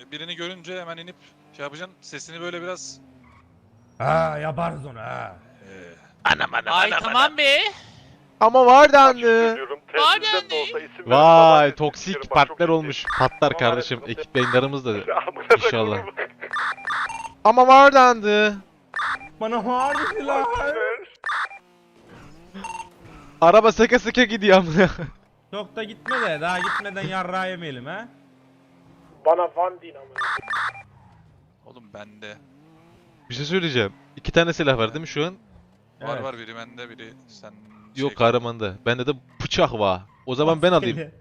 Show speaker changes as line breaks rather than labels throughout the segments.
birini görünce hemen inip şey yapacaksın. Sesini böyle biraz...
Ha yaparız onu ha.
Anam.
Ay tamam be.
Ama var dendi.
Var dendi.
Vay toksik partner olmuş. Patlar kardeşim. Ekip yayınlarımız da inşallah. Ama var dendi.
Bana var dediler.
Araba seke seke gidiyor amına.
Çok da gitme de daha gitmeden yarrağı yemeyelim ha.
Bana Van din ama.
Oğlum bende.
Bir şey söyleyeceğim. 2 tane silah var değil mi şu an?
Var
Evet.
var, biri bende, biri sen...
Yok kahramanda. Bende de bıçak var. O zaman ben alayım.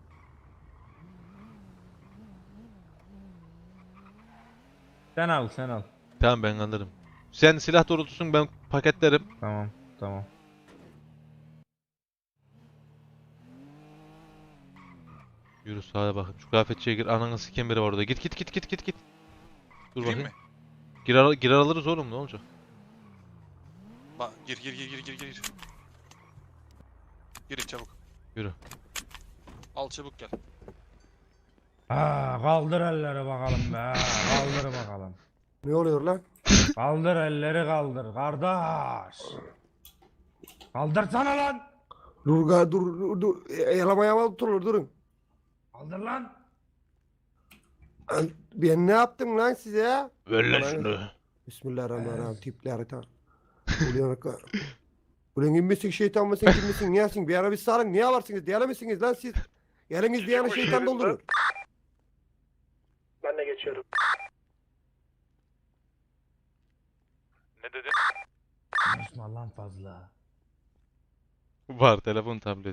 Sen al sen al.
Tamam ben alırım. Sen silah doğrultusun ben paketlerim.
Tamam.
Yürü sağa bakın. Şu kıyafetçiye gir. Ananı siken biri var orada. Git. Dur
Gireyim
bakayım.
mi?
Girer alırız oğlum ne olacak?
Bak gir. Girin çabuk.
Yürü.
Al çabuk gel.
Ha kaldır elleri bakalım be. Kaldır bakalım.
Ne oluyor lan?
Kaldır elleri kaldır kardeş. Kaldırsana lan.
Dur. Yalamaya tutulur durun.
Kaldır lan.
Ben ne yaptım lan size ya?
Ver lan
Bana-
şunu.
Bismillahirrahmanirrahim. Tipleri ta. Ulan inmesin şeytan mısın kimmesin niyesin? Bir ara bir sarın niye varsınız? Diyelemezsiniz lan siz. Eliniz diyene şeytan doldurur. Ben de geçiyorum.
Ne dedin?
Konuşma lan fazla.
Var telefon tablet.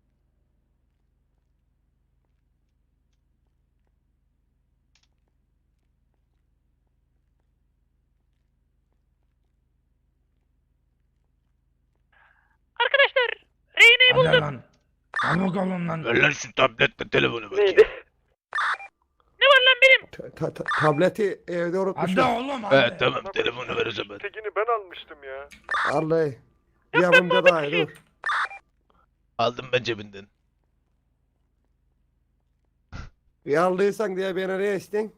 Arkadaşlar rehineyi
Hadi
buldum.
lan. Çabuk olun lan.
Ver lan şu tabletle telefonu bakayım.
Ne var lan benim?
Tableti evde
Hadi
unutmuşlar.
oğlum hadi.
Evet tamam telefonu ver o zaman.
Tekini ben almıştım ya.
Vallahi. Yapımda daha iyi dur.
Aldım ben cebinden.
Bir aldıysan diye beni ne istin?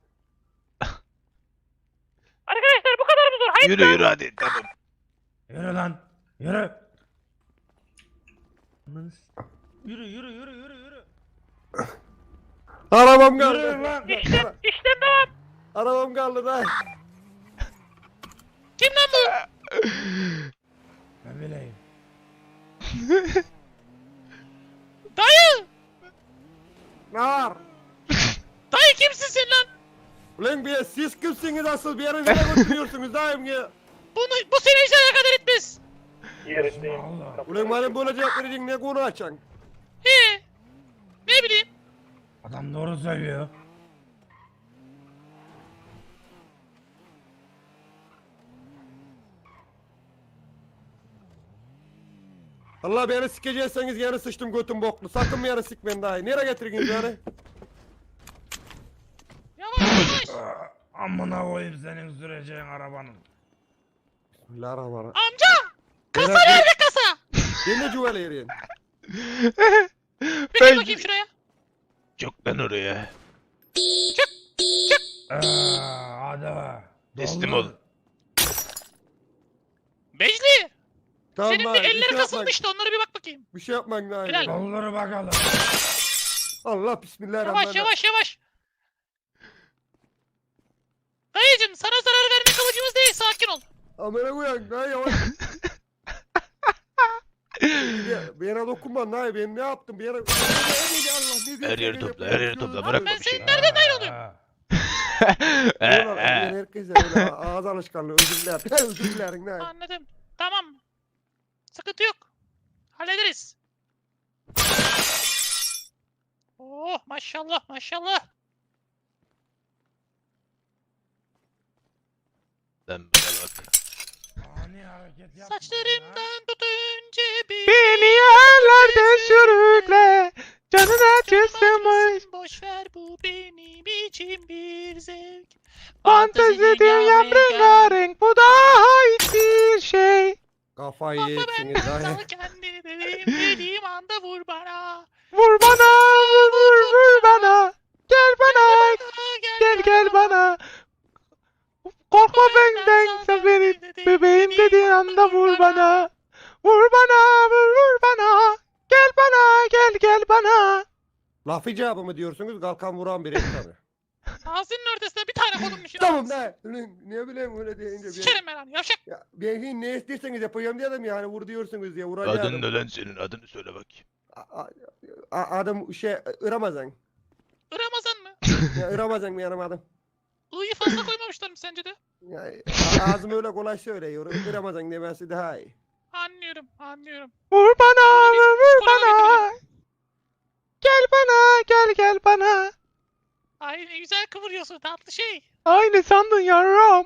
Arkadaşlar bu kadar mı zor? Hayır.
Yürü hadi tamam.
Yürü lan. Yürü. Yürü.
Arabam
Yürü
kaldı.
lan.
İşlem devam.
Arabam kaldı da.
Kim lan bu?
Ben bileyim.
Dayı.
Ne var?
Dayı kimsin sen lan?
Ulan bir siz kimsiniz asıl bir yere nereye götürüyorsunuz daim ya?
Bu seni hiç alakadar etmez.
Yerindeyim.
Allah.
Ulan bana böyle cevap vereceksin ne konu açacaksın?
He. Ne bileyim.
Adam doğru söylüyor.
Allah beni sikecekseniz yarı sıçtım götüm boklu. Sakın bir yere sikmeyin daha iyi. Nereye getiriniz yani?
Yavaş.
Amına koyayım senin süreceğin arabanın.
Bismillahirrahmanirrahim.
Amca. Kasa
Beyler,
nerede kasa?
Ben de cüvele yeriyim.
Bir gel bakayım şuraya.
Çok lan oraya.
Hadi be.
Teslim
Doldur.
ol.
Becli.
Tamam
Senin bir
daha iyi,
elleri
şey
kasılmıştı. Onlara bir bak bakayım.
Bir şey yapmayın daha iyi.
Helal.
Doldur bakalım.
Allah bismillahirrahmanirrahim.
Yavaş. Dayıcım sana zarar vermek amacımız değil. Sakin ol.
Amına koyayım daha yavaş. Bana dokunma daha iyi. Ben ne yaptım? Bir yere... Allah ne diyor?
Her yeri topla, her yeri topla. Bırakma
Ben
bir şey.
senin nereden dahil oluyorum?
Ha.
Herkese öyle ağız alışkanlığı özür dilerim. Özür dilerim ne?
Anladım. Tamam. Sıkıntı yok. Hallederiz. Oh maşallah.
Lan bana bak.
Ani hareket yapma.
Saçlarımdan tutun cebi.
Beni yerlerde sürükle. Canına küstüm
Boş ver bu benim için bir zevk.
Fantezi dünyam rengarenk. Bu daha hiçbir şey.
Kafayı
Bakma
yeksiniz
ben
daha
sana kendini dediğim anda vur bana.
Vur bana vur bana. Gel bana.
Gel
bana. Korkma benden sen benim bebeğim dediğin anda vur bana. Vur bana, vur bana. Gel bana, gel bana.
Laf icabı mı diyorsunuz? Kalkan vuran biri tabii.
Ağzının ortasına bir tane konulmuş ya.
Tamam ne? Ne bileyim öyle deyince.
Sikerim ben lan yavşak.
Ya, ben ne isterseniz yapacağım diyelim yani vur diyorsunuz diye vuracağım.
ne lan senin? Adını söyle bakayım.
Adım Ramazan.
Ramazan mı?
Ya Ramazan mı yanım adım?
I'yı fazla koymamışlar mı sence de?
Ya, ağzım öyle kolay söylüyor. Ramazan demesi daha iyi.
Anlıyorum.
Vur bana, vur
Psikoloğa
bana. Gel bana, gel bana.
Ay ne güzel kıvırıyorsun tatlı şey.
Aynı sandın yavrum.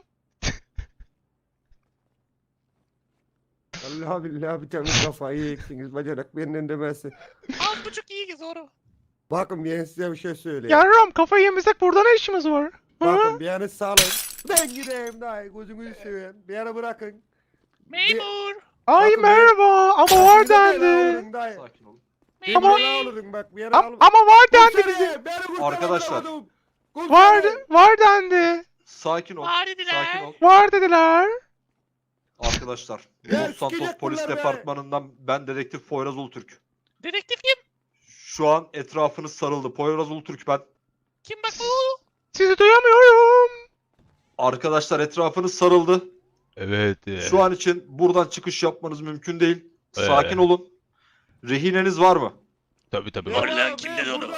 Allah billahi bir temiz kafayı yeksiniz bacanak benden demesi.
Az buçuk iyi ki doğru.
Bakın ben size bir şey söyleyeyim.
Yavrum kafayı yemesek burada ne işimiz var?
Bakın bir yanı sağlayın. Ben gideyim daha gözünüzü seveyim. Bir yana bırakın.
Memur.
Ay
Bakın
merhaba ama var dendi.
Sakin olun.
Memur.
Olurum bak bir yana alın.
Ama var dendi bize.
Arkadaşlar.
Var dendi.
Sakin ol.
Var dediler.
Sakin ol.
Var dediler.
Arkadaşlar.
Ya,
Los Santos
sikecek
Polis
bunlar be.
Departmanı'ndan ben dedektif Poyraz Ulutürk.
Dedektif kim?
Şu an etrafınız sarıldı. Poyraz Ulutürk ben.
Kim bak bu?
Sizi duyamıyorum.
Arkadaşlar etrafınız sarıldı.
Evet.
Şu an için buradan çıkış yapmanız mümkün değil. Sakin olun. Rehineniz var mı?
Tabii.
Var lan, kim dedi onu?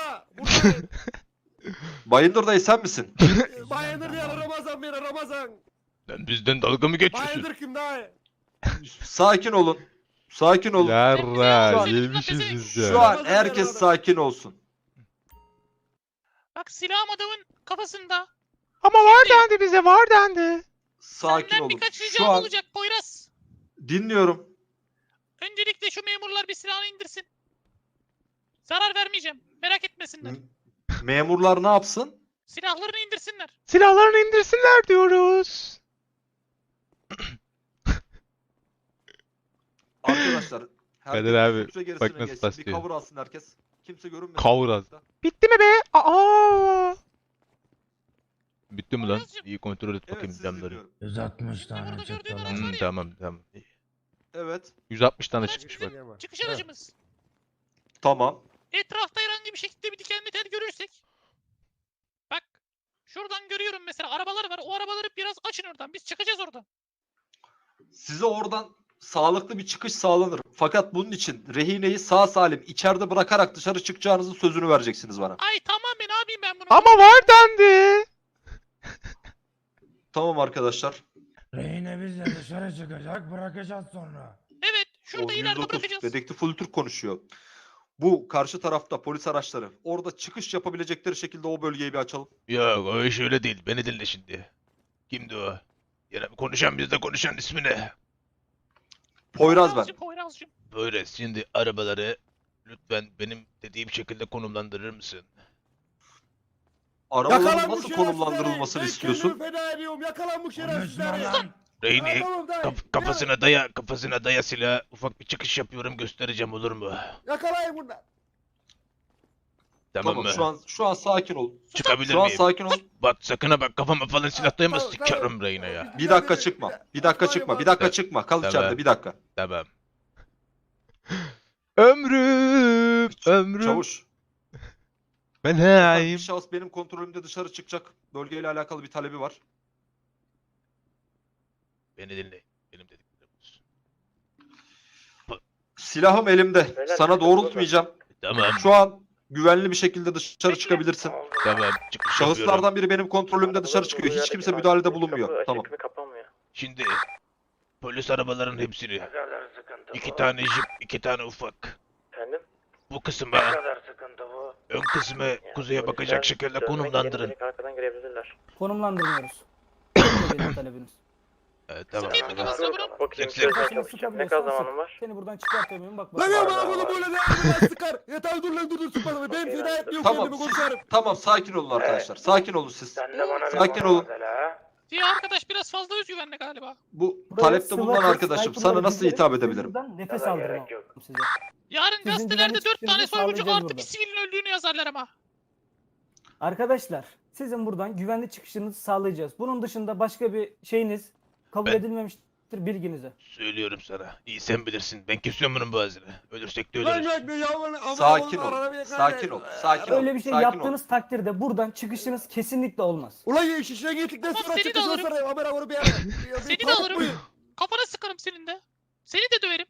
Bayındır dayı sen misin?
Bayındır ya Ramazan beni Ramazan.
Sen bizden dalga mı
Bayındır kim daha?
Sakin olun. Sakin olun.
Yarra
Şu
yemişiz
an-
biz ya.
Şu an herkes sakin olsun.
Bak silahım adamın kafasında.
Ama var dendi bize var dendi.
Sakin
Senden
olun.
birkaç
Şu
ricam
an
olacak Poyraz.
dinliyorum.
Öncelikle şu memurlar bir silahını indirsin. Zarar vermeyeceğim. Merak etmesinler.
Memurlar ne yapsın?
Silahlarını indirsinler.
Silahlarını indirsinler diyoruz.
Arkadaşlar.
Kadir abi,
kimse gerisine
bak nasıl
geçsin. Bir
taslıyor.
cover alsın herkes. Kimse görünmesin.
Cover alsın. Bitti mi be? Aa! Bitti mi lan?
Poyraz'cığım.
İyi kontrol et
Evet
bakayım
sizi
camları.
dinliyorum.
160
Burada
tane
gördüğün
çıktı
araç
lan.
var ya.
Tamam.
Evet.
160 tane
Araç
çıkmış
bizim
bak.
çıkış aracımız.
Tamam.
Etrafta herhangi bir şekilde bir dikenli tel görürsek. Bak. Şuradan görüyorum mesela arabalar var. O arabaları biraz açın oradan. Biz çıkacağız oradan.
Size oradan sağlıklı bir çıkış sağlanır. Fakat bunun için rehineyi sağ salim içeride bırakarak dışarı çıkacağınızın sözünü vereceksiniz bana.
Ay tamam be ne yapayım ben bunu?
Ama var dendi.
Tamam arkadaşlar.
Rehine bizle dışarı çıkacak bırakacağız sonra.
Evet. Şurada
O
ileride
109
bırakacağız.
dedektif Ulutürk konuşuyor. Bu karşı tarafta polis araçları. Orada çıkış yapabilecekleri şekilde o bölgeyi bir açalım.
Yok o iş öyle değil. Beni dinle şimdi. Kimdi o? Yine konuşan bizde konuşan ismi ne?
Poyraz ben.
Poyrazcığım.
Böyle şimdi arabaları lütfen benim dediğim şekilde konumlandırır mısın?
Arabaların nasıl konumlandırılmasını istiyorsun?
Feda ediyorum yakalan bu
Konuşma
şerefsizleri.
lan.
Reyni
Tamam dayı.
kafasına daya silah. Ufak bir çıkış yapıyorum göstereceğim olur mu?
Yakalayın bunlar.
Tamam,
Tamam
mı?
şu an sakin ol.
Çıkabilir
Şu an
miyim?
sakin ol.
Bak sakın ha bak kafama falan silah dayama
Tamam,
sikerim
tamam.
Reyna ya.
Bir dakika çıkma. Bir dakika çıkma. Bir dakika çıkma. Kal
Tamam.
içeride bir dakika.
Tamam. Ömrüm.
Çavuş.
Ben
Bir
hayim.
şahıs benim kontrolümde dışarı çıkacak. Bölgeyle alakalı bir talebi var.
Beni dinle. Benim dediklerim olsun.
Silahım elimde. Sana doğrultmayacağım.
Tamam.
Şu an güvenli bir şekilde dışarı çıkabilirsin.
Tamam. Çıkış yapıyorum.
Şahıslardan biri benim kontrolümde dışarı çıkıyor. Hiç kimse müdahalede bulunmuyor. Tamam.
Şimdi polis arabaların hepsini. 2 tane jip, 2 tane ufak.
Efendim?
Bu kısma,
Ne kadar sıkıntı bu?
ön kısmı kuzeye bakacak şekilde konumlandırın.
Arkadan girebilirler.
Konumlandırmıyoruz. Çok benim talebiniz.
Tamam.
Sıkayım mı kafasına bunu?
Bakayım
Sık, sık.
şöyle çabuk. Ne kadar zamanın var?
Seni buradan çıkartamıyorum bak bak.
Lan ya bana bunu böyle de sıkar. Yeter dur lan dur sıkma. Ben feda etmiyorum
Tamam.
kendimi komiserim.
Tamam sakin olun arkadaşlar. Sakin olun siz.
Sen de bana
Sakin olun.
Diye arkadaş biraz fazla özgüvenli galiba.
Bu
Buraya
talepte bulunan
sniper-
arkadaşım.
sniper'ları
Sana nasıl
bizlerin
hitap
sizin
edebilirim?
buradan nefes
Sana
aldırmam
gerek yok.
size.
Yarın
Sizin
gazetelerde
güvenlik
4 tane
sisteminizi
soyguncu
sağlayacağız
artı bir
burada.
sivilin öldüğünü yazarlar ama.
Arkadaşlar Sizin buradan güvenli çıkışınızı sağlayacağız. Bunun dışında başka bir şeyiniz kabul
Ben-
edilmemiştir bilginize.
Söylüyorum sana. İyi sen bilirsin. Ben kesiyorum bunun boğazını. Ölürsek de ölürüz.
Sakin ol. Sakin ol. Sakin ol.
Öyle bir şey
sakin ol.
yaptığınız takdirde buradan çıkışınız kesinlikle olmaz.
Ulan ya şişine gittikten
Tamam,
sonra
seni de
çıkacağız
alırım.
sonra. Haber avuru bir ara.
Seni de alırım. Kafana sıkarım senin de. Seni de döverim.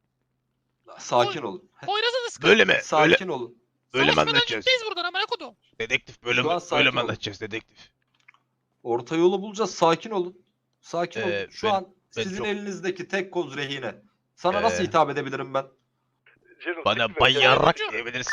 Sakin olun.
Poyraz'a da sıkarım.
Böyle mi? Öyle,
Sakin olun.
öyle mi
Savaşmadan
anlatacağız?
gitmeyiz buradan amına kodum.
Dedektif böyle
Şu
mi?
an sakin
Böyle mi
ol.
anlatacağız dedektif?
Orta yolu bulacağız. Sakin olun. Sakin olun. Şu
ben-
an
ben
sizin
çok-
elinizdeki tek koz rehine. Sana nasıl hitap edebilirim ben?
Bana bayarak
Hocam.
diyebilirsin.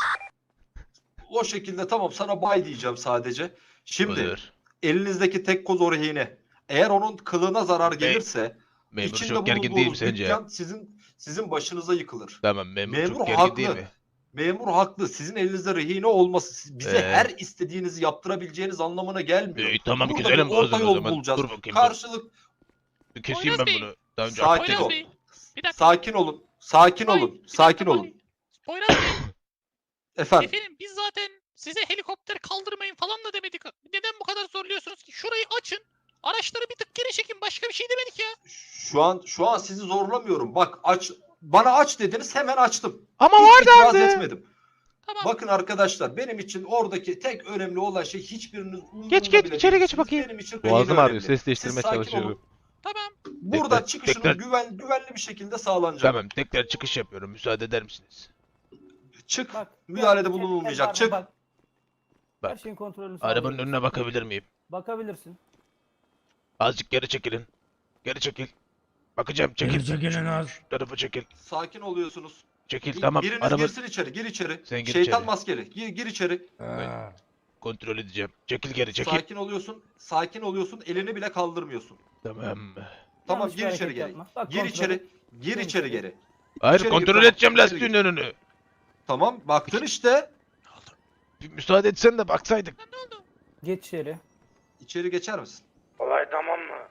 O şekilde tamam sana bay diyeceğim sadece. Şimdi
Olur.
elinizdeki tek koz o rehine. Eğer onun kılığına zarar
Bey,
gelirse
Memur
içinde
çok gergin değil mi
bulunduğunuz
sence?
dükkan sizin başınıza yıkılır.
Tamam memur,
Memur
çok gergin değil
haklı.
mi?
Memur haklı. Sizin elinizde rehine olması bize
Ee?
her istediğinizi yaptırabileceğiniz anlamına gelmiyor.
Tamam
Burada
güzelim
bir orta
boğazını o
yol
zaman.
bulacağız.
Dur bakayım.
Karşılık
Dur. Keseyim
Poyraz
ben
Bey,
bunu. Daha önce
Sakin
anlattım.
ol.
Poyraz Bey. Bir dakika.
sakin olun. Sakin
Bay,
olun.
bir
Sakin
dakika
olun.
Bay. Poyraz Bey.
Efendim.
Efendim biz zaten size helikopter kaldırmayın falan da demedik. Neden bu kadar zorluyorsunuz ki? Şurayı açın. Araçları bir tık geri çekin. Başka bir şey demedik ya.
Şu an sizi zorlamıyorum. Bak bana aç dediniz hemen açtım.
Ama
Hiç
var
itiraz
dendi.
etmedim.
Tamam.
Bakın arkadaşlar benim için oradaki tek önemli olan şey hiçbiriniz
Geç,
umurumda
içeri
bile
geç
değilsiniz.
bakayım.
Benim için
Boğazım
rehine
ağrıyor.
önemli.
Ses
Siz
değiştirmeye
sakin
çalışıyorum.
olun.
Tamam.
Burada
Tekrar-
çıkışınız
tekrar-
güvenli bir şekilde sağlanacak.
Tamam tekrar çıkış yapıyorum. Müsaade eder misiniz?
Çık.
Bak.
Müdahalede
gel,
bulunulmayacak.
gel,
Çık.
Bak. Her
Bak.
şeyin kontrolünü
Arabanın
sağlayacağız.
önüne bakabilir miyim?
Bakabilirsin.
Azıcık geri çekilin. Geri çekil. Bakacağım çekil.
Geri çekilin az.
Şu tarafa çekil.
Sakin oluyorsunuz.
Çekil tamam.
Biriniz
Araba
girsin içeri. Gir içeri.
Sen gir
Şeytan
içeri.
maskeli. Gir içeri.
kontrol edeceğim. Çekil geri çekil.
Sakin oluyorsun. Sakin oluyorsun. Elini bile kaldırmıyorsun.
Tamam.
Tamam
Yanlış bir
gir içeri
hareket
geri.
yapma. Bak,
Gir
kontrol
içeri.
et.
Gir
Gir
içeri
içeri.
geri.
Hayır
İçeri gir,
kontrol
tamam.
edeceğim
İçeri
lastiğin
gir.
önünü.
Tamam baktın işte.
Bir müsaade etsen de baksaydık.
Lan ne oldu?
Geç içeri.
İçeri geçer misin?
Olay tamam mı?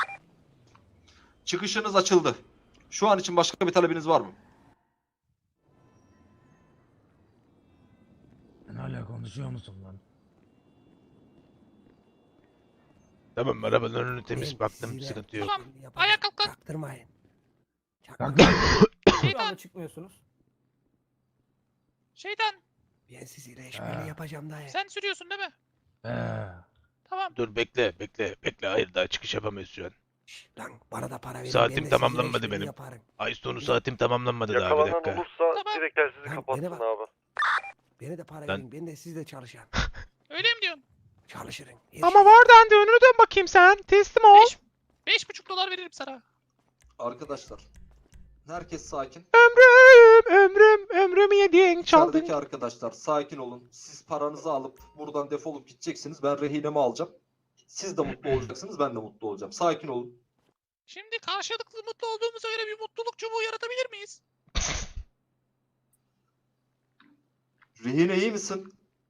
Çıkışınız açıldı. Şu an için başka bir talebiniz var mı?
Sen hala konuşuyor musun lan?
Tamam arabanın önünü temiz baktım sıkıntı yok.
Tamam. Ayağa kalk lan.
Çaktırmayın.
Kalk lan.
Şu anda
Şeytan.
çıkmıyorsunuz.
Şeytan.
Ben sizi reşmeli yapacağım dayı.
Sen sürüyorsun değil mi?
He.
Tamam.
Dur bekle. Hayır daha çıkış yapamayız şu an.
Şşş, lan bana da para verin.
Saatim
ben de sizi
tamamlanmadı
reşmeli
benim.
yaparım.
Ay sonu saatim tamamlanmadı daha bir
Yakalanan
dakika.
olursa
Tamam.
direkt telsizi
Lan,
kapatsın
beni bak.
abi.
Beni de para
Lan-
verin. Ben de sizle çalışırım.
Öyle mi diyorsun?
Çalışırım.
Ama var dendi. Önünü dön bakayım sen. Teslim ol.
5,5 dolar veririm sana.
Arkadaşlar. Herkes sakin.
Ömrümü yedin çaldın.
İçerideki arkadaşlar sakin olun. Siz paranızı alıp buradan defolup gideceksiniz. Ben rehinemi alacağım. Siz de mutlu olacaksınız. Ben de mutlu olacağım. Sakin olun.
Şimdi karşılıklı mutlu olduğumuza göre bir mutluluk çubuğu yaratabilir miyiz?
Rehine iyi misin?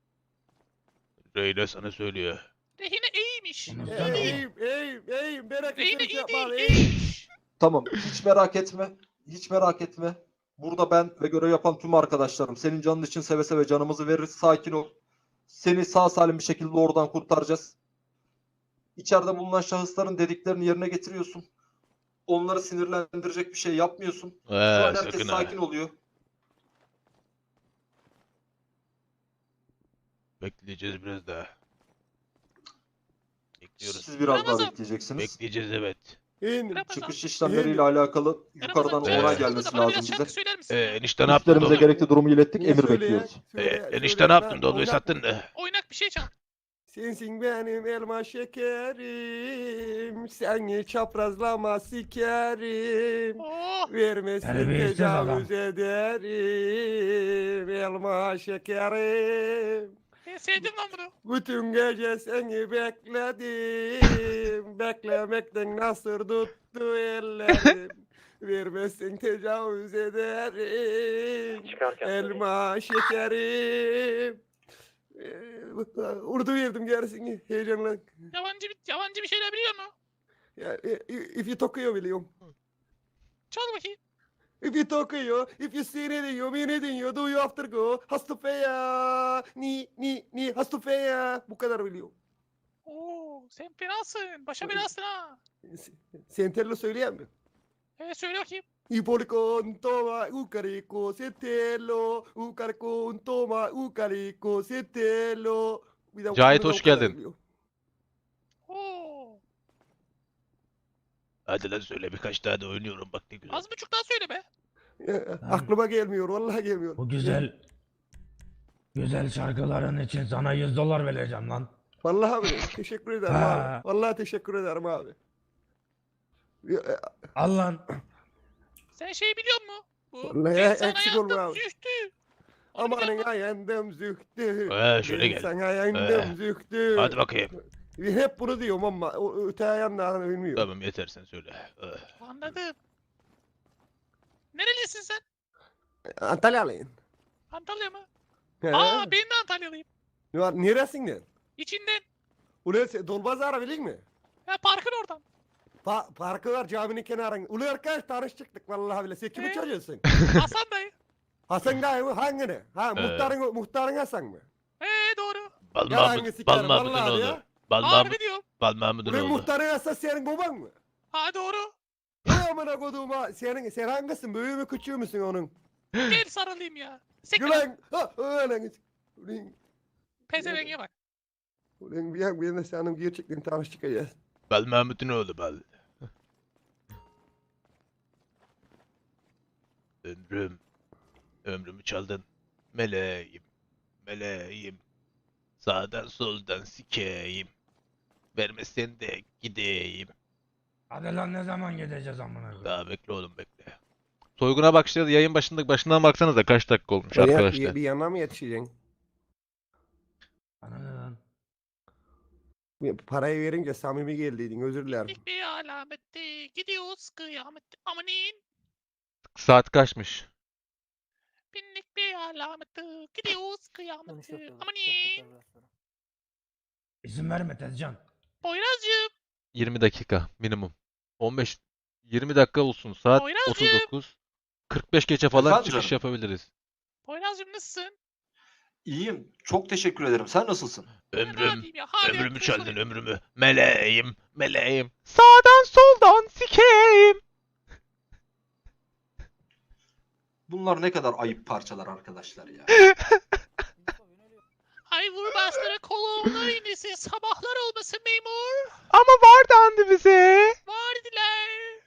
Reyna sana söylüyor.
Rehine iyiymiş.
Konuşsana.
Eğim. Merak
Rehine
etme.
iyi değil,
Yapma.
iyiymiş.
Tamam. Hiç merak etme. Hiç merak etme. Burada ben ve görev yapan tüm arkadaşlarım. Senin canın için seve seve canımızı veririz. Sakin ol. Seni sağ salim bir şekilde oradan kurtaracağız. İçeride bulunan şahısların dediklerini yerine getiriyorsun. Onları sinirlendirecek bir şey yapmıyorsun. Şu an herkes
Sakın ha.
sakin oluyor.
Bekleyeceğiz biraz daha. Bekliyoruz.
Siz biraz daha
Ramazan.
bekleyeceksiniz.
Bekleyeceğiz evet.
İn.
Ramazan.
Çıkış işlemleriyle alakalı yukarıdan
Ramazan,
Evet.
onay
canım
gelmesi
sıkıldı da bana
lazım
biraz
bize.
şarkı söyler misin?
Enişte ne yaptın
Üstlerimize
Dolu?
gerekli durumu ilettik.
Niye
Emir
söyle ya?
bekliyoruz.
Söyle,
Enişte
söyle.
ne yaptın
Ben
Dolu'yu
oynak-
sattın da.
Oynak bir şey çal.
Sensin benim elma şekerim. Seni çaprazlama sikerim.
Oh.
Vermesin
Terbiyesiz
tecavüz ederim. Elma şekerim.
Ben sevdim lan bunu.
Bütün gece seni bekledim. Beklemekten nasır tuttu ellerim. Vermesin tecavüz ederim.
Çıkarken.
Elma şekerim. Urdu verdim gerisini heyecanla.
Yabancı bir şeyler biliyor musun?
Ya, if you Tokyo biliyorum.
Çal bakayım.
If you Tokyo, if you see anything, you mean anything, you do you after go. Hastufeya, ni hastufeya. Bu kadar biliyorum.
Oo, sen fenasın. Başa belasın ha.
Sentello söyleyeyim mi?
Söyle bakayım.
Ipolicon toma ucarico sentello. Ucaricon toma ucarico sentello. Bir de
Cahit,
bu
hoş
o kadar
geldin.
biliyorum.
Oo.
Hadi lan söyle birkaç tane de oynuyorum bak ne güzel.
Az buçuk daha söyle be.
Aklıma gelmiyor, vallahi gelmiyor.
Bu güzel şarkıların için sana $100 vereceğim lan.
Vallahi abi, teşekkür ederim
Ha.
abi. Vallahi teşekkür ederim abi.
Al lan.
Sen şeyi biliyor musun? Bu
Vallahi
ben sana
eksik
yandım,
olma abi.
zühtü. Onu
Amanın
biliyor musun?
ayandım zühtü.
Şöyle
Ben
gel.
sana yandım zühtü.
Hadi bakayım.
Hep bunu diyorum ama o öte ayanlarını bilmiyorum.
Tamam yeter sen söyle.
Anladım. Nerelisin sen?
Antalyalıyım.
Antalya mı?
He.
Aa, ben de Antalyalıyım.
Neresinden?
İçinden.
Ulan sen Dolbazar'a bilin mi?
Parkın oradan.
Parkı var caminin kenarında. Ulan arkadaş tanıştık vallahi bile. Sen kimin çocuğusun?
Hasan dayı.
Hasan dayı mı? Hangini? Ha muhtarın Hasan mı?
Doğru.
Bal
Ya hangi
Mahmut,
sikerim,
Bal Mahmut'un
vallahi
oğlu.
ya.
Bal
Harbi
Mahmut,
diyorum.
Bal Mahmut'un
Ulan
oğlu.
muhtarın Hasan senin baban mı?
Ha doğru.
Ulan amına koduğuma sen hangisin? Büyüğü mü küçüğü müsün onun?
Gel sarılayım ya. Sekre.
Ulan ulan
Pezevenge bak.
ulan bir de senin gerçekten tanıştık.
Bal Mahmut'un oğlu Bal. Ömrümü çaldın. Meleğim. Sağdan soldan sikeyim. Vermezsen de gideyim.
Hadi lan ne zaman gideceğiz amına koyayım?
Daha bekle oğlum bekle.
Soyguna başladı. Yayın başından baksanıza kaç dakika olmuş arkadaşlar.
Bir yana mı yetişeceksin?
Bana ne lan?
Parayı verince samimi geldiydin, özür dilerim.
Binlik bir alamette gidiyoruz kıyamette. Amanin.
Saat kaçmış?
Binlik bir alamette gidiyoruz
Dönüş
kıyamette.
yapıyoruz.
Amanin.
Biraz sonra.
İzin verme Tezcan.
Poyraz'cığım.
20 dakika minimum. 20 dakika olsun. Saat
Poyraz'cığım.
39. 45 geçe falan
Efendim
çıkış
canım?
yapabiliriz.
Poyraz'cığım nasılsın?
İyiyim. Çok teşekkür ederim. Sen nasılsın?
Ben
Ömrüm.
rahatıyım ya. Hala
Ömrümü
yapıyorsun.
çaldın ömrümü. Meleğim.
Sağdan soldan sikeyim.
Bunlar ne kadar ayıp parçalar arkadaşlar ya.
Ay vurbaşları kolonlar inisi sabahlar olmasın memur.
Ama var dandı bize.
Vardiler.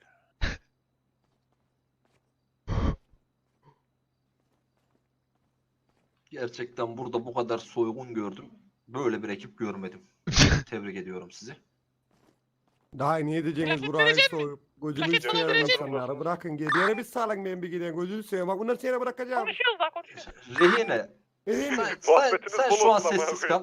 Gerçekten burada bu kadar soygun gördüm. Böyle bir ekip görmedim. Tebrik ediyorum sizi.
Daha niye diyeceksiniz
Plaket
burayı
verecek mi?
soyup gözünü
Plaket falan
seveyim
verecek
insanları bırakın gidene bir sağlan ben bir gideyim gözünü seveyim bak bunları seni bırakacağım.
Konuşuyoruz daha konuşuyoruz.
Rehine,
Değil mi?
sen şu an sessiz kal.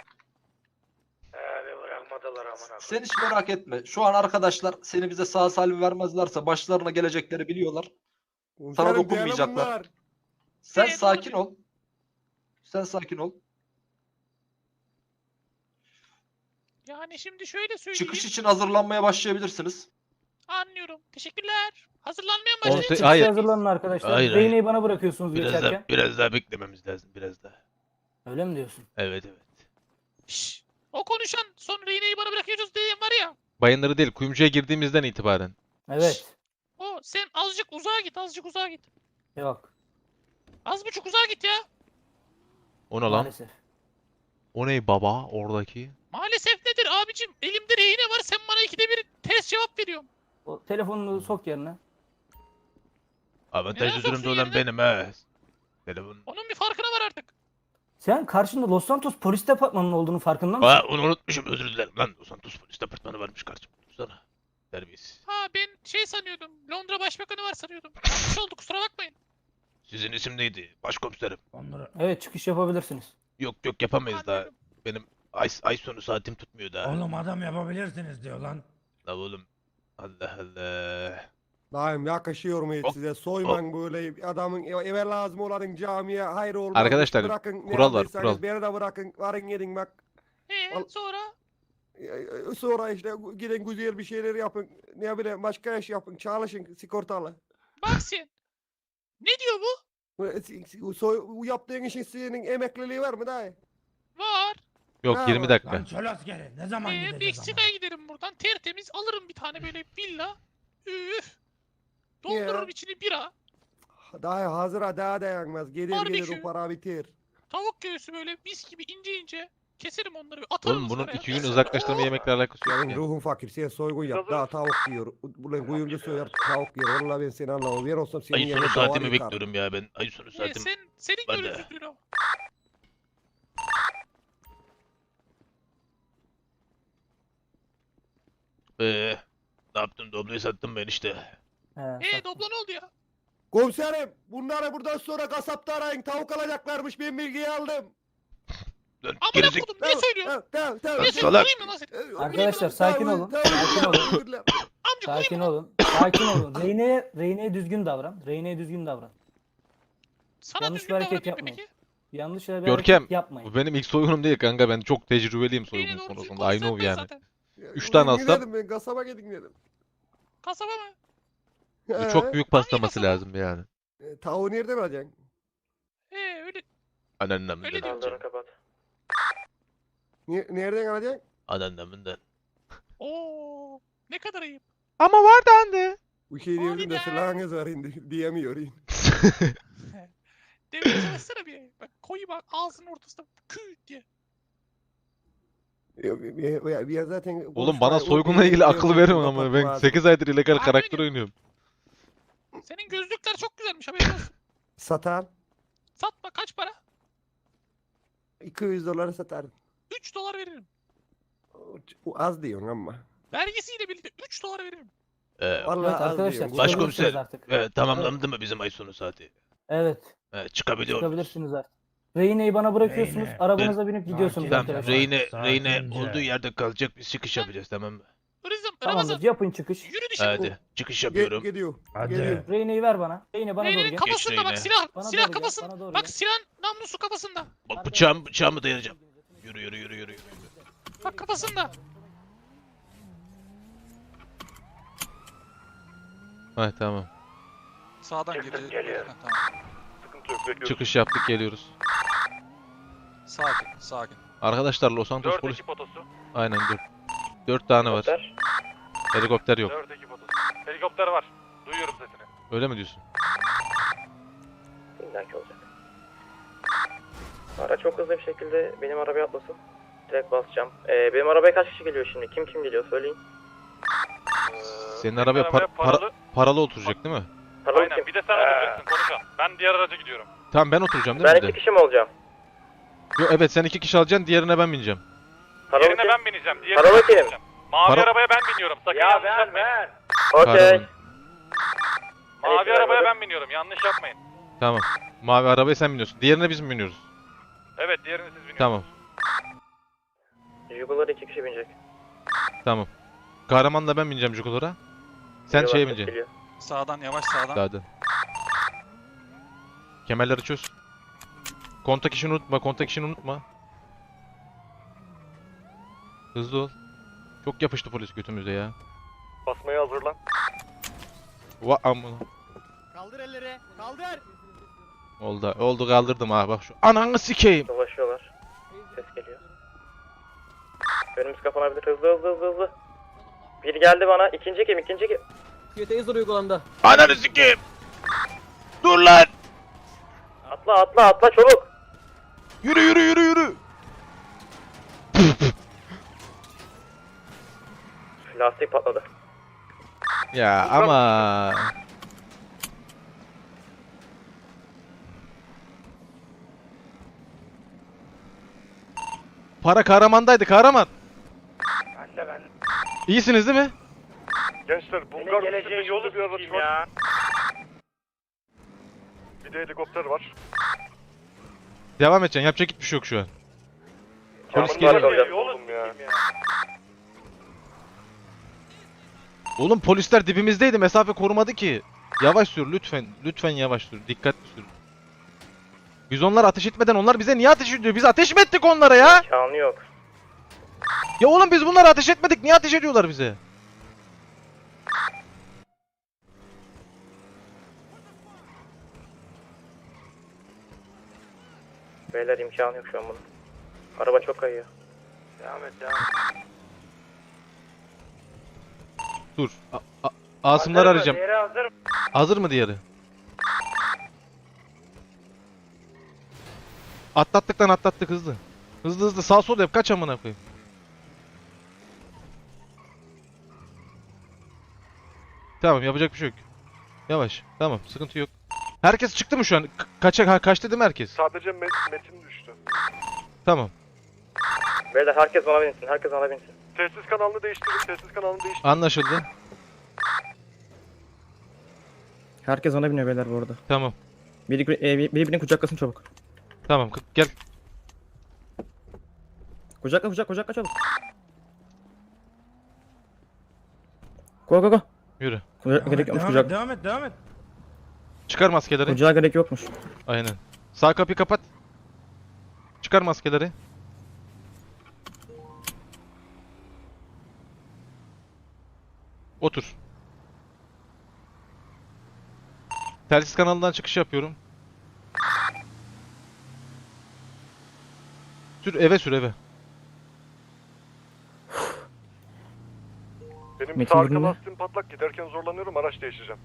Abi bırakmadılar amına.
Sen hiç merak etme. Şu an arkadaşlar seni bize sağ salim vermezlerse başlarına gelecekleri biliyorlar. Sana
Komiserim,
dokunmayacaklar.
değerli bunlar.
Sen
Evet,
sakin
doğru.
ol. Sen sakin ol.
Yani şimdi şöyle söyleyeyim.
Çıkış için hazırlanmaya başlayabilirsiniz.
Anlıyorum. Teşekkürler. Hazırlanmaya mı
On
başlayalım?
se-
Çıkışa
hayır.
hazırlanın arkadaşlar.
Hayır,
Değneği bana bırakıyorsunuz
Biraz
geçerken.
biraz daha beklememiz lazım biraz daha.
Öyle mi diyorsun?
Evet.
Şşş. O konuşan sonra iğneyi bana bırakıyoruz diyen var ya.
Bayınları değil, kuyumcuya girdiğimizden itibaren.
Evet.
O sen azıcık uzağa git, azıcık uzağa git.
Yok.
Az buçuk uzağa git ya.
O ne lan?
Maalesef.
O ne baba oradaki?
Maalesef nedir abicim? Elimde rehine var, sen bana ikide bir ters cevap veriyorsun.
O telefonunu sok yerine.
Avantajlı
soksun
durumda olan
yerine?
benim he. Telefon.
Onun bir farkına var artık.
Sen karşında Los Santos polis departmanının olduğunu farkında mısın?
Aa onu unutmuşum özür dilerim lan. Los Santos polis departmanı varmış karşımda. Tutsana. Terbiyesiz.
Ha ben şey sanıyordum. Londra Başbakanı var sanıyordum. Yanlış oldu, kusura bakmayın.
Sizin isim neydi? Başkomiserim.
Onları...
Evet, çıkış yapabilirsiniz.
Yok yapamayız daha.
Anladım.
Benim ay sonu saatim tutmuyor daha.
Oğlum adam yapabilirsiniz diyor lan.
La oğlum. Allah Allah.
Daim yakışıyor mu hiç
Hop,
size? Soyman böyle adamın eve lazım olanın camiye hayır olmaz.
Arkadaşlar,
bırakın, ne
kural var,
yapıyorsanız
kural.
Beni de bırakın. Varın gidin bak.
Sonra?
Sonra işte gidin güzel bir şeyler yapın. Ne bileyim başka iş yapın. Çalışın sigortalı.
Bak sen. Ne diyor bu?
Bu yaptığın işin senin emekliliği var mı dayı?
Var.
Yok, 20 dakika.
Lan çöl askeri ne zaman gideceğiz
Meksika'ya giderim buradan. Tertemiz alırım bir tane böyle villa. Üf. Doldururum içini bira.
Daha hazıra daha dayanmaz. Gelir
Barbekü.
gelir o para bitir.
Tavuk göğsü böyle mis gibi ince ince. Keserim onları. Atarım
Oğlum bunun
ızgaraya.
2 gün uzaklaştırma yemekle alakası yok
Senin
ya.
ruhun fakir. Sen soygun yap. Daha tavuk yiyor. Ulan kuyumcu soyar tavuk yiyor. Vallahi ben seni anlamam. Ben olsam senin
Ay sonu
yerine doğar
saatimi
yıkarım.
bekliyorum ya ben. Ay sonu saatimi.
Senin
Ben de.
görüntüsün o.
Ne yaptın? Dobloyu sattım ben işte.
He,
Doblo ne oldu ya?
Komiserim bunları buradan sonra kasapta arayın. Tavuk alacaklarmış. Ben bilgiyi aldım.
Lan
Amına
gerizek.
kodum ne söylüyorsun?
Tamam.
Lan
Ne
salak.
söylüyorsun? Vurayım mı lan seni?
Arkadaşlar, sakin olun, sakin olun.
Amca vurayım
Sakin
mı lan?
olun. Sakin olun. Reyne'ye düzgün davran. Reyne'ye düzgün davran.
Sana
Yanlış
düzgün
bir hareket
davranayım
yapmayın.
peki.
Yanlış bir
Görkem,
hareket yapmayın.
Bu benim ilk soygunum değil kanka. Ben çok tecrübeliyim
Yine
soygun
doğru düzgün
konusunda. I know
konuşsan ben
yani.
zaten.
3 tane alsam
Dedim ben kasaba gidin dedim.
Kasaba mı?
bu çok büyük paslaması
kasaba?
lazım yani.
Tavuğu nereden alacaksın?
Öyle.
Anneannemden.
Öyle diyorum.
Saldırı kapat.
Nereden alacaksın?
Anneannemden.
Oo. Ne kadar ayıp.
Ama var dendi.
Bu şey diyordum da
Valide.
silahınız var indi diyemiyor.
Demeye çalışsana bir. Bak koyu bak ağzının ortasında küt diye.
Ya zaten
Oğlum bana soygunla ilgili akıl verin ama ben 8 aydır illegal
Aynen
karakter
öyle.
oynuyorum.
Senin gözlükler çok güzelmiş haberin olsun.
Satan
Satma kaç para?
$200 satarım.
3 dolar veririm.
O az diyorsun ama.
Vergisiyle birlikte 3 dolar veririm.
Vallahi
Evet
az
arkadaşlar,
diyorsun.
Başkomiser.
çıkabilirsiniz artık.
Tamamlandı mı bizim ay sonu saati?
Evet,
Çıkabiliyor muyuz?
çıkabilirsiniz artık. Reyne'yi bana bırakıyorsunuz,
Reyne.
arabanıza binip gidiyorsunuz
Sakin.
Tamam,
arkadaşlar.
Reyne
Sakince.
olduğu yerde kalacak, biz çıkış yapacağız tamam mı?
Ramazan
Tamamdır, yapın çıkış.
yürü dışarı.
Hadi çıkış yapıyorum.
Gidiyor.
Hadi.
Geliyor.
Reyne'yi ver bana. Reyne bana doğru
Reyne'nin
gel.
kafasında bak
Reyne.
silah.
Bana
Silah
doğru gel,
kafasında.
bana doğru
Bak
gel.
silahın namlusu kafasında.
Bak bıçağımı dayayacağım. Yürü.
Bak kafasında.
Ha tamam.
Sağdan
Çıktık,
geliyor.
geliyor.
Ha, tamam.
Sıkıntı yok. Bekliyoruz.
Çıkış yaptık geliyoruz.
Sakin.
Arkadaşlar Los Santos
4
polis.
ekip otosu.
Aynen 4 tane var.
Helikopter.
Helikopter yok.
4 ekip otosu. Helikopter var. Duyuyorum sesini.
Öyle mi diyorsun?
İllaki olacak. Araç çok hızlı bir şekilde benim arabaya atlasın. Direkt basacağım. Benim arabaya kaç kişi geliyor şimdi? Kim geliyor söyleyin.
Senin arabaya paralı oturacak değil mi?
Aynen kim? Bir de sen oturacaksın konuşan. Ben diğer araca gidiyorum.
Tamam ben oturacağım değil
Ben
mi bir
2
de?
kişi mi olacağım?
Yok evet sen 2 kişi alacaksın diğerine ben bineceğim.
Paralı kim?
ben bineceğim. Diğerine
Paralı
ben
kim?
bineceğim. Mavi
Para-
arabaya ben biniyorum. Sakın yanlış yapmayın.
Okey.
Kahraman.
Mavi arabaya ben biniyorum. Yanlış yapmayın.
Tamam. Mavi arabaya sen biniyorsun. Diğerine biz mi biniyoruz?
Evet diğerini siz biniyorsunuz.
Tamam.
Jugular 2 kişi binecek.
Tamam. Kahramanla ben bineceğim Jugulara. Sen
Jugular
şeye
ses
bineceksin.
geliyor.
Sağdan yavaş sağdan.
Hadi. Kemerleri çöz. Kontak işini unutma. Hızlı ol. Çok yapıştı polis götümüze ya.
Basmaya hazırlan.
Amına.
Kaldır elleri. Kaldır.
Oldu kaldırdım ha bak şu. Ananı sikeyim.
Dolaşıyorlar. Ses geliyor. Önümüz kapanabilir. Hızlı. Bir geldi bana. İkinci kim?
Taser uygulandı.
Ananı sikeyim. Dur lan.
Atla çabuk.
Yürü.
Lastik patladı.
Ya ama. Para kahramandaydı kahraman.
Ben.
İyisiniz değil mi?
Gençler
Bulgar geleceğin yolu bir araç var.
Bir de helikopter var.
Devam edeceksin. Yapacak hiçbir şey yok şu an. Polis
Çamurlar
geliyor.
kalacak.
Yolu ya.
Oğlum polisler dibimizdeydi. Mesafe korumadı ki. Yavaş sür lütfen. Lütfen yavaş sür. Dikkatli sür. Biz onlar ateş etmeden onlar bize niye ateş ediyor? Biz ateş mi ettik onlara ya?
Kanı yok.
Ya oğlum biz bunlara ateş etmedik. Niye ateş ediyorlar bize?
Beyler imkanı yok şu an bunun. Araba çok kayıyor.
Devam et devam et.
Dur. Asımları arayacağım.
Diğeri hazır mı?
Hazır mı diğeri? Atlattık lan atlattık hızlı. Hızlı hızlı sağ sol yap kaç amına koyayım. Tamam yapacak bir şey yok. Yavaş. Tamam sıkıntı yok. Herkes çıktı mı şu an? Kaçtı değil mi herkes?
Sadece Metin düştü.
Tamam.
Beyler herkes bana binsin. Herkes bana binsin.
Sessiz kanalını değiştirin. Sessiz kanalını değiştirin.
Anlaşıldı.
Herkes ona biniyor beyler bu arada.
Tamam.
Birbirini kucaklasın çabuk.
Tamam gel.
Kucakla çabuk. Go.
Yürü.
Gerek yokmuş
Devam et, devam et, devam et.
Çıkar maskeleri.
Kucağa gerek yokmuş.
Aynen. Sağ kapıyı kapat. Çıkar maskeleri. Otur. Telsiz kanalından çıkış yapıyorum. Sür eve.
Benim
Metin
sağ arka
dinle.
lastiğim patlak. Giderken zorlanıyorum. Araç değişeceğim.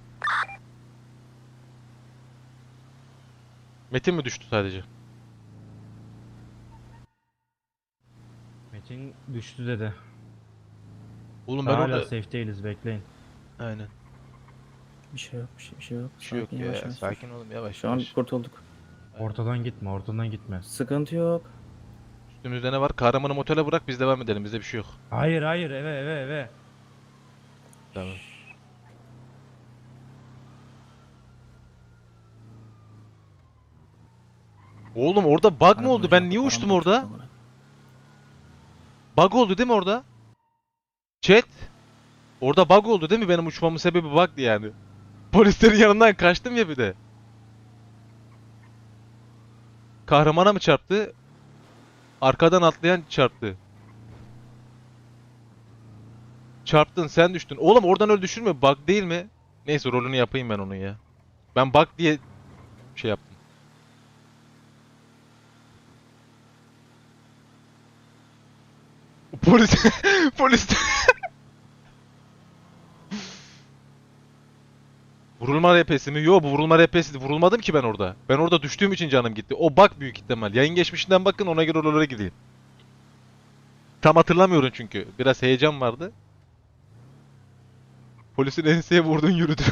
Metin mi düştü sadece?
Metin düştü dedi.
Oğlum ben
Hala
orada...
safe değiliz, bekleyin.
Aynen.
Bir şey yok.
Bir şey yok
Sakin,
ya.
yavaş yavaş.
Sakin olun yavaş
Şu an
yavaş.
kurtulduk.
Ortadan gitme.
Sıkıntı yok.
Üstümüzde ne var? Kahramanı motele bırak biz devam edelim. Bizde bir şey yok.
Hayır, eve.
Tamam. Oğlum orada bug mı oldu? Ben niye uçtum orada? Bug oldu değil mi orada? Chat. Orada bug oldu değil mi? Benim uçmamın sebebi bug'dı yani. Polislerin yanından kaçtım ya bir de. Kahramana mı çarptı? Arkadan atlayan çarptı. Çarptın sen düştün. Oğlum oradan öyle düşürme. Bug değil mi? Neyse rolünü yapayım ben onun ya. Ben bug diye şey yaptım. Polis polis Vurulma RP'si mi? Yo bu vurulma RP'si. Vurulmadım ki ben orada. Ben orada düştüğüm için canım gitti. O bug büyük ihtimal. Yayın geçmişinden bakın ona göre oralara gideyim. Tam hatırlamıyorum çünkü. Biraz heyecan vardı. Polisin enseye vurdun yürüdü.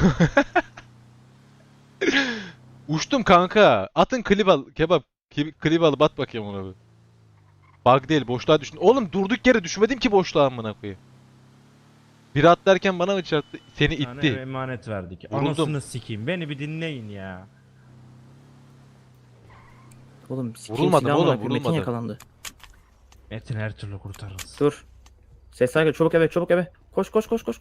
Uçtum kanka. Atın klip al. Kebap. Klip alıp at bakayım ona bir. Bug değil boşluğa düştün. Oğlum durduk yere düşmedim ki boşluğa amına koyayım. Biri atlarken bana mı çarptı? Seni
Bir tane
itti.
emanet verdik.
Vuruldum.
Anasını sikeyim. Beni bir dinleyin ya.
Oğlum
Vurulmadım oğlum, vurulmadım.
yakalandı.
Metin her türlü kurtarırız.
Dur. Ses saygı çabuk eve. Koş.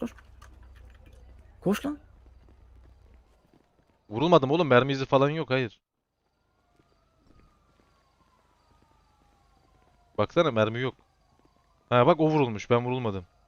Koş lan.
Vurulmadım oğlum. Mermi izi falan yok. Hayır. Baksana mermi yok. Ha bak o vurulmuş. Ben vurulmadım.